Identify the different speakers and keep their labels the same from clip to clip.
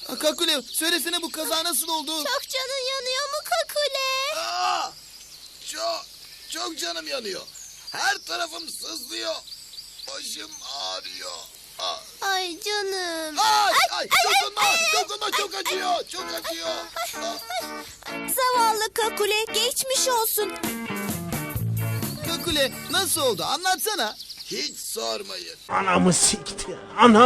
Speaker 1: Kakule söylesene bu kaza nasıl oldu?
Speaker 2: Çok canın yanıyor mu Kakule?
Speaker 3: Çok canım yanıyor. Her tarafım sızlıyor. Başım ağrıyor.
Speaker 2: Ay canım.
Speaker 3: Ay, dokunma, çok acıyor, çok acıyor.
Speaker 2: Zavallı Kakule, geçmiş olsun.
Speaker 1: Kakule nasıl oldu anlatsana.
Speaker 3: Hiç sormayın.
Speaker 4: Anamı sikti.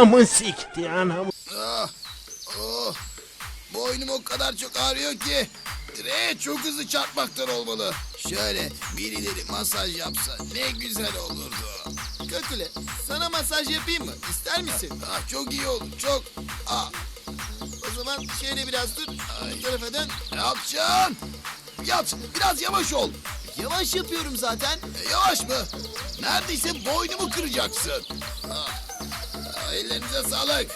Speaker 3: Boynum o kadar çok ağrıyor ki direğe çok hızlı çarpmaktan olmalı. Şöyle birileri masaj yapsa ne güzel olurdu.
Speaker 1: Kakule sana masaj yapayım mı? İster misin?
Speaker 3: Çok iyi olur, çok.
Speaker 1: O zaman şöyle biraz dur. Bu tarafa dön.
Speaker 3: Ne yapacaksın? Yat, biraz yavaş ol.
Speaker 1: Yavaş yapıyorum zaten.
Speaker 3: Yavaş mı? Neredeyse boynumu kıracaksın. Ellerinize sağlık.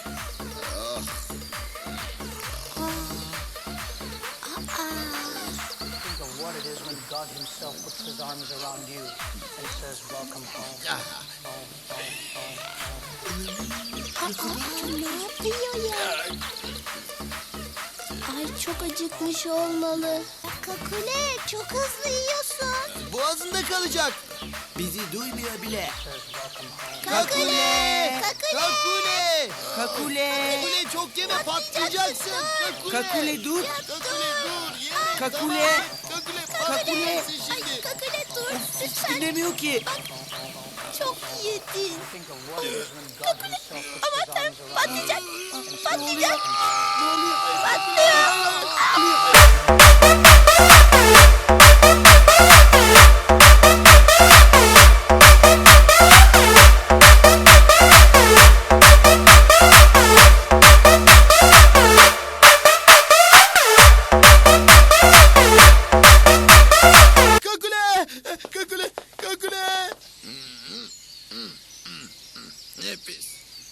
Speaker 5: Think of what it is when God himself puts his arms around you and says, welcome home.
Speaker 2: Ne yapıyor ya? Ay çok acıkmış olmalı. Kakule çok hızlı yiyorsun.
Speaker 1: Boğazında kalacak. Bizi duymuyor bile.
Speaker 2: Kakule!
Speaker 1: Kakule!
Speaker 6: Kakule!
Speaker 1: Kakule çok yeme patlayacaksın. Kakule!
Speaker 6: Kakule dur!
Speaker 1: Kakule dur. Yeme.
Speaker 6: Kakule!
Speaker 1: Kakule
Speaker 6: Kakule!
Speaker 1: patlayacaksın
Speaker 2: Ay
Speaker 1: şimdi.
Speaker 2: Kakule dur lütfen.
Speaker 6: Dinlemiyor ki.
Speaker 2: Çok yedin.
Speaker 5: Think of what it is when God himself puts
Speaker 2: Aman
Speaker 5: his
Speaker 2: tanrım
Speaker 5: arms around you.
Speaker 2: patlayacak. Patlayacak.
Speaker 1: Kakule! Kakule! Kakule!
Speaker 3: Ne pis.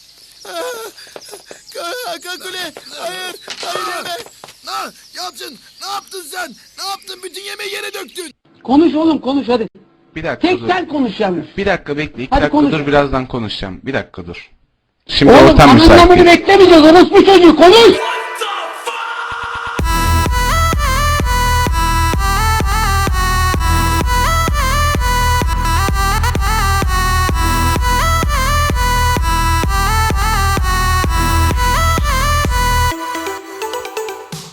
Speaker 1: Kakule! Hayır! Hayır yeme!
Speaker 3: Yalçın, ne yaptın sen? Ne yaptın? Bütün yemeği yere döktün.
Speaker 7: Konuş oğlum konuş hadi.
Speaker 8: Bir dakika
Speaker 7: Tek
Speaker 8: dur.
Speaker 7: sen konuş yalnız.
Speaker 8: Bir dakika bekle. 2
Speaker 7: Hadi
Speaker 8: dakika
Speaker 7: konuş.
Speaker 8: dur, birazdan konuşacağım. Bir dakika dur. Şimdi
Speaker 7: Oğlum
Speaker 8: ortam müsait
Speaker 7: anlamını
Speaker 8: değil.
Speaker 7: beklemeyeceğiz orospu çocuğu konuş.